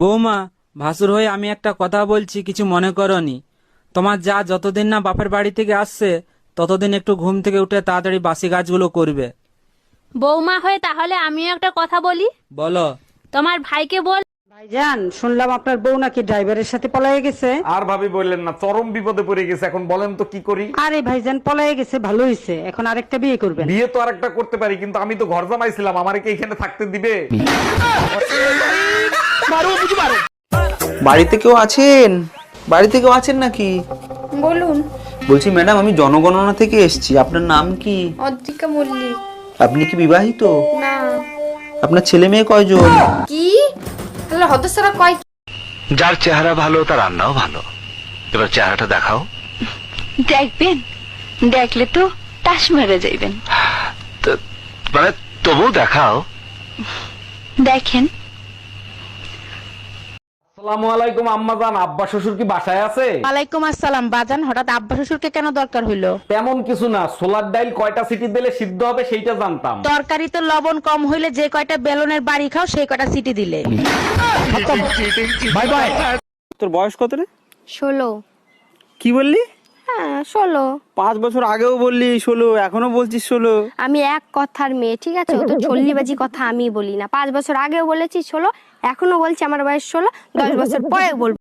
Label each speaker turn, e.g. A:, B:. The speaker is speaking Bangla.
A: বৌমা, ভাসুর হয়ে আমি একটা কথা বলছি, কিছু মনে করনি। তোমার যা যতদিন না বাপের বাড়ি থেকে আসছে ততদিন একটু ঘুম থেকে উঠে তাড়াতাড়ি বাসি কাজগুলো করবে।
B: বৌমা হয়ে তাহলে আমিও একটা কথা বলি।
A: বলো।
B: তোমার ভাইকে বল।
C: ভাইজান, শুনলাম আপনার বউ নাকি ড্রাইভারের সাথে পলায়ে গেছে।
D: আর ভাবি বললেন না, চরম বিপদে পড়ে গেছে। এখন বলেন তো কি করি?
C: আরে ভাইজান, পলায়ে গেছে ভালো হয়েছে, এখন আরেকটা বিয়ে করবেন।
D: বিয়ে তো আরেকটা করতে পারি, কিন্তু আমি তো ঘর জামাইছিলাম, আমারে কি এখানে থাকতে দিবে?
E: বাড়িতে কেউ আছেন? বাড়িতে কেউ আছেন নাকি?
F: বলুন।
E: বলছি ম্যাডাম, আমি জনগণনা থেকে এসেছি। আপনার নাম কি?
F: অদ্রিকা মল্লিক।
E: আপনি কি বিবাহিত?
F: না।
E: আপনার ছেলে মেয়ে কয়জন?
F: কি তাহলে হতসারা কয়?
G: যার চেহারা ভালো তার রান্নাও ভালো। এবার চেহারাটা দেখাও।
H: দেখবেন, দেখলে তো টাস মেরে যাইবেন।
G: মানে তবু দেখাও।
H: দেখেন।
D: আসসালামু আলাইকুম আম্মাজান, আব্বা শ্বশুর কি বাসায় আছে?
I: ওয়ালাইকুম আসসালাম। বাজান, হঠাৎ আব্বা শ্বশুরকে কেন দরকার হইলো?
D: তেমন কিছু না, সোলার ডাইল কয়টা সিটি দিলে সিদ্ধ হবে সেইটা জানতাম।
I: তরকারিতে লবণ কম হইলে যে কয়টা বেলনের বাড়ি খাও সেই কয়টা সিটি দিলে।
D: Bye bye.
E: তোর বয়স কত রে?
F: 16।
E: কি বললি?
F: হ্যাঁ 16।
E: 5 বছর আগেও বললি 16, এখনো বলছিস 16।
F: আমি এক কথার মেয়ে, ঠিক আছে? ও তো চল্লিবাজি কথা আমি বলি না। 5 বছর আগেও বলেছি 16, এখনো বলছি আমার বয়স 16, 10 বছর পরে বলবো।